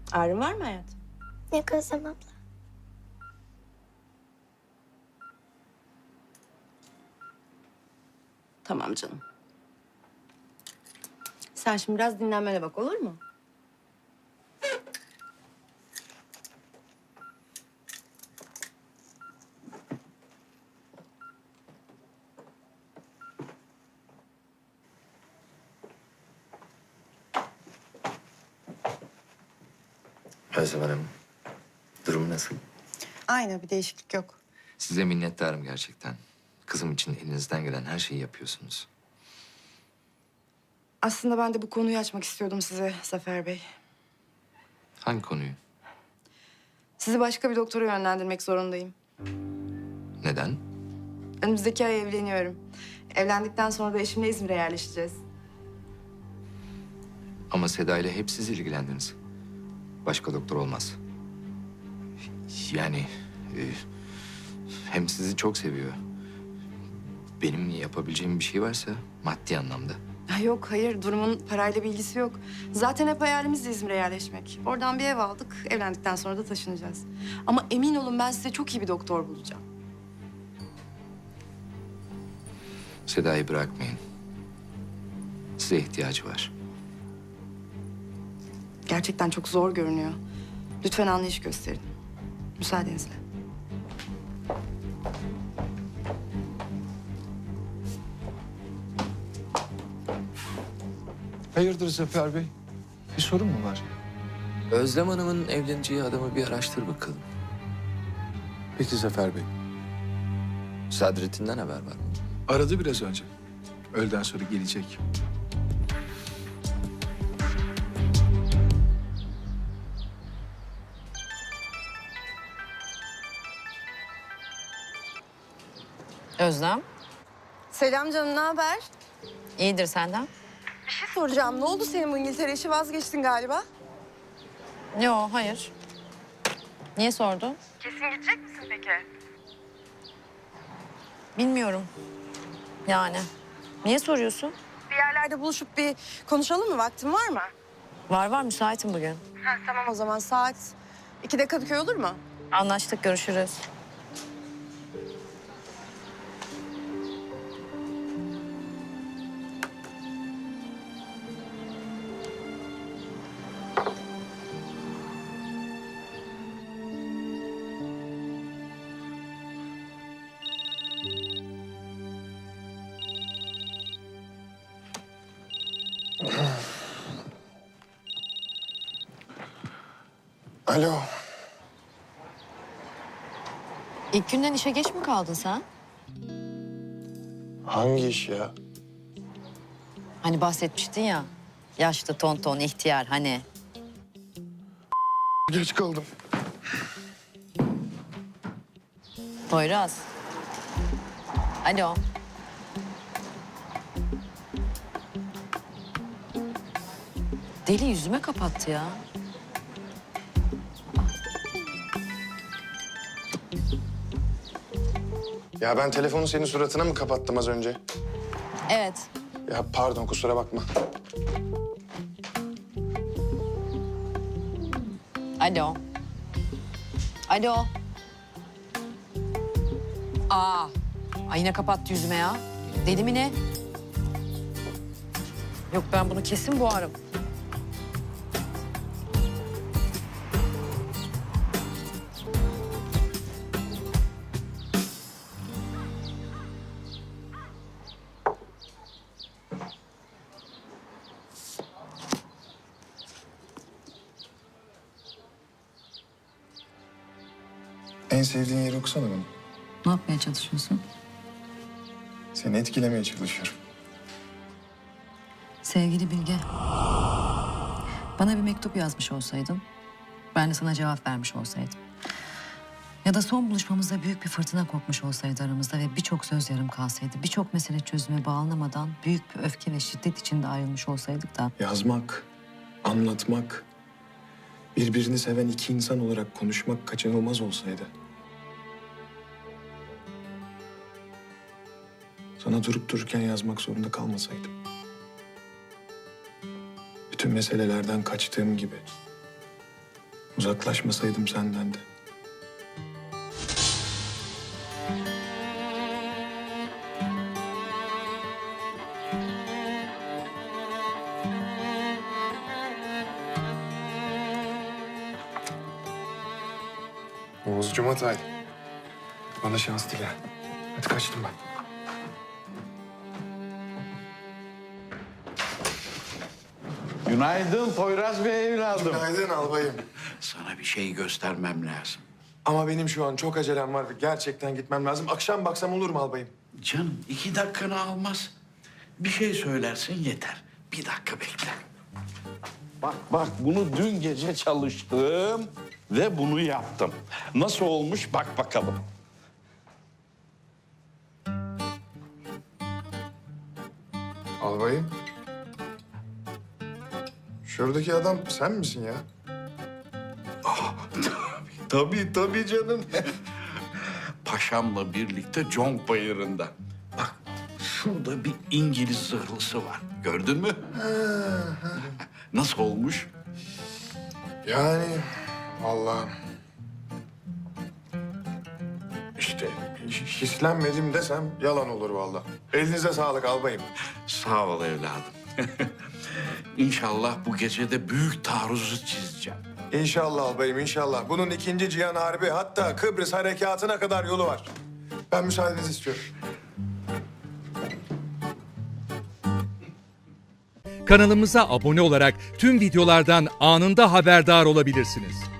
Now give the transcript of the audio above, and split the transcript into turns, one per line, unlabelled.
Ağrın var mı hayatım?
Yok Özlem abla.
Tamam canım. Sen şimdi biraz dinlenmene bak, olur mu?
Özlem Hanım, durum nasıl?
Aynı, bir değişiklik yok.
Size minnettarım gerçekten. Kızım için elinizden gelen her şeyi yapıyorsunuz.
Aslında ben de bu konuyu açmak istiyordum size Zafer Bey.
Hangi konuyu?
Sizi başka bir doktora yönlendirmek zorundayım.
Neden?
Önümüzdeki ay evleniyorum. Evlendikten sonra da eşimle İzmir'e yerleşeceğiz.
Ama Seda ile hep siz ilgilendiniz. Başka doktor olmaz. Yani hem sizi çok seviyor. Benim yapabileceğim bir şey varsa maddi anlamda.
Ya yok, hayır. Durumun parayla bir ilgisi yok. Zaten hep hayalimiz de İzmir'e yerleşmek. Oradan bir ev aldık. Evlendikten sonra da taşınacağız. Ama emin olun ben size çok iyi bir doktor bulacağım.
Seda'yı bırakmayın. Size ihtiyacı var.
Gerçekten çok zor görünüyor. Lütfen anlayış gösterin. Müsaadenizle.
Hayırdır Zafer Bey? Bir sorun mu var?
Özlem Hanım'ın evleneceği adamı bir araştır bakalım.
Peki Zafer Bey.
Sadrettin'den haber var mı?
Aradı biraz önce. Öğleden sonra gelecek.
Özlem,
Selam canım, ne haber?
iyidir senden.
Bir şey soracağım. Ne oldu senin bu İngiltere işi? Vazgeçtin galiba.
Yo, hayır. Niye sordun?
Kesin gidecek misin peki?
Bilmiyorum. Yani. Niye soruyorsun?
Bir yerlerde buluşup bir konuşalım mı? Vaktin var mı?
Var müsaitim bugün.
Tamam o zaman saat 2'de Kadıköy olur mu?
Anlaştık, görüşürüz.
Alo.
İlk günden işe geç mi kaldın sen?
Hangi iş ya?
Hani bahsetmiştin ya. Yaşlı, tonton, ihtiyar hani.
Geç kaldım.
Poyraz. Alo. Deli yüzüme kapattı ya.
Ya ben telefonu senin suratına mı kapattım az önce?
Evet.
Ya pardon kusura bakma.
Alo. Alo. Aa. Ay yine kapattı yüzüme ya. Deli mi ne? Yok ben bunu kesin boğarım.
En sevdiğin yeri okusana bana.
Ne yapmaya çalışıyorsun?
Seni etkilemeye çalışıyorum.
Sevgili Bilge, bana bir mektup yazmış olsaydın, ben de sana cevap vermiş olsaydım. Ya da son buluşmamızda büyük bir fırtına kopmuş olsaydı aramızda ve birçok söz yarım kalsaydı, birçok mesele çözüme bağlanamadan büyük bir öfke ve şiddet içinde ayrılmış olsaydık da...
Yazmak, anlatmak, birbirini seven iki insan olarak konuşmak kaçınılmaz olsaydı. Sana durup dururken yazmak zorunda kalmasaydım. Bütün meselelerden kaçtığım gibi Uzaklaşmasaydım senden de. Oğuz Cumatay. Bana şans dile. Hadi kaçtım ben.
Günaydın Poyraz Bey evladım.
Günaydın albayım.
Sana bir şey göstermem lazım.
Ama benim şu an çok acelem var. Gerçekten gitmem lazım. Akşam baksam olur mu albayım?
Canım 2 dakikanı almaz. Bir şey söylersin yeter. 1 dakika bekle. Bak bunu dün gece çalıştım ve bunu yaptım. Nasıl olmuş bak bakalım.
Albayım. Şuradaki adam sen misin ya?
Tabii canım. Paşamla birlikte Conk Bayırı'nda. Bak şurada bir İngiliz zırhlısı var. Gördün mü? Nasıl olmuş?
Yani Allah'ım. İşte hislenmedim desem yalan olur vallahi. Elinize sağlık albayım.
Sağ ol evladım. İnşallah bu gece de büyük taarruzu çizeceğim.
İnşallah albayım inşallah. Bunun 2. Cihan Harbi hatta Kıbrıs harekatına kadar yolu var. Ben müsaadenizi istiyorum.
Kanalımıza abone olarak tüm videolardan anında haberdar olabilirsiniz.